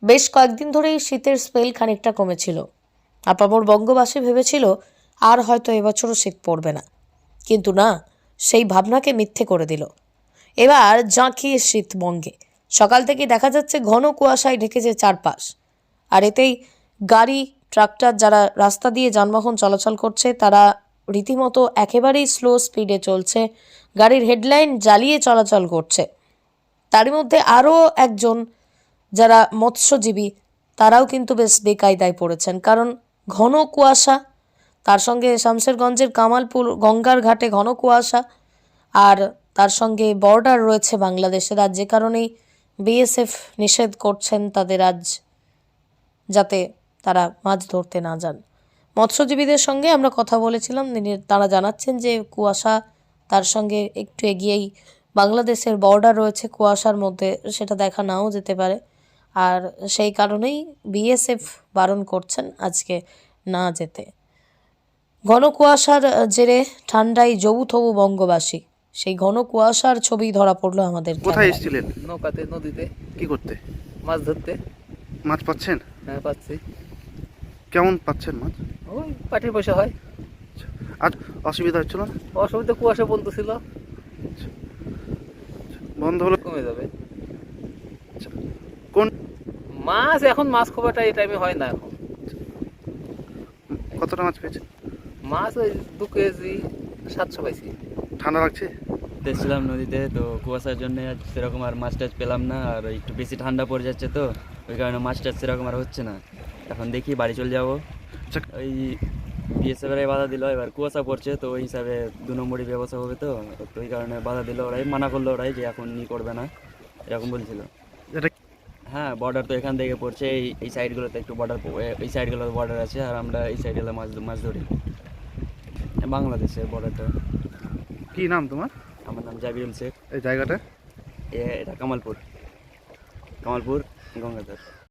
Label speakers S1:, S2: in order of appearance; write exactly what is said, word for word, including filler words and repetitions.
S1: বেশ কয়েকদিন ধরেই শীতের স্পেল খানিকটা কমেছিল। আপামর বঙ্গবাসী ভেবেছিল আর হয়তো এবছরও শীত পড়বে না, কিন্তু না, সেই ভাবনাকে মিথ্যে করে দিল। এবার জাঁকিয়ে শীত বঙ্গে। সকাল থেকে দেখা যাচ্ছে ঘন কুয়াশায় ঢেকেছে চারপাশ, আর এতেই গাড়ি ট্রাক্টর যারা রাস্তা দিয়ে যানবাহন চলাচল করছে তারা রীতিমতো একেবারেই স্লো স্পিডে চলছে, গাড়ির হেডলাইন জ্বালিয়ে চলাচল করছে। তার মধ্যে আরও একজন যারা মৎস্যজীবী তারাও কিন্তু বেশ বেকায়দায় পড়েছেন, কারণ ঘন কুয়াশা, তার সঙ্গে শামশেরগঞ্জের কামালপুর গঙ্গার ঘাটে ঘন কুয়াশা, আর তার সঙ্গে বর্ডার রয়েছে বাংলাদেশের, আর যে কারণেই বিএসএফ নিষেধ করছেন তাদের আজ যাতে তারা মাছ ধরতে না যান। মৎস্যজীবীদের সঙ্গে আমরা কথা বলেছিলাম, তারা জানাচ্ছেন যে কুয়াশা, তার সঙ্গে একটু এগিয়েই বাংলাদেশের বর্ডার রয়েছে, কুয়াশার মধ্যে সেটা দেখা নাও যেতে পারে, আর সেই কারণেই বিএসএফ বারণ করছেন আজকে না যেতে। ঘন কুয়াশার জেরে ঠান্ডায় জবুথবু বঙ্গবাসী, সেই ঘন কুয়াশার ছবি ধরা পড়লো আমাদের।
S2: কোথায় এসেছিলেন?
S3: নৌকাতে, নদীতে।
S2: কি করতে?
S3: মাছ ধরতে।
S2: মাছ পাচ্ছেন?
S3: হ্যাঁ, পাচ্ছি।
S2: কেমন পাচ্ছেন মাছ?
S3: ওই পাটির পয়সা হয়।
S2: আজ অসুবিধা হচ্ছিল না?
S3: অসুবিধা কুয়াশা বলতেছিল,
S2: বন্ধ হলো?
S3: কমে যাবে।
S2: কোন
S3: মাছ এখন মাছ খুব একটা এই টাইমে হয় না এখন।
S2: কতটা মাছ পেয়েছেন?
S3: মাছ ওই দু কেজি সাতশো পাইছি।
S2: ঠান্ডা লাগছে?
S4: দেখছিলাম নদীতে, তো কুয়াশার জন্য আর সেরকম আর মাছ টাছ পেলাম না, আর একটু বেশি ঠান্ডা পড়ে যাচ্ছে, তো ওই কারণে মাছ টাছ সেরকম আর হচ্ছে না। এখন দেখি বাড়ি চলে যাবো। ওই বিএসএফের বাধা দিল, এবার কুয়াশা পড়ছে, তো ওই হিসাবে দু নম্বরই ব্যবস্থা হবে, তো তো ওই কারণে বাধা দিল ওরাই, মানা করলো ওরাই যে এখন ই করবে না, এরকম বলছিল। হ্যাঁ, বর্ডার তো এখান থেকে পড়ছে, এই এই সাইডগুলোতে একটু বর্ডার, এই সাইডগুলোতে বর্ডার আছে, আর আমরা এই সাইডগুলো মাছ মাছ ধরি। বাংলাদেশের বর্ডারটা।
S2: কি নাম তোমার?
S4: আমার নাম জাবিরুল শেখ।
S2: এই জায়গাটা?
S4: এটা কামালপুর, কামালপুর গঙ্গাধর।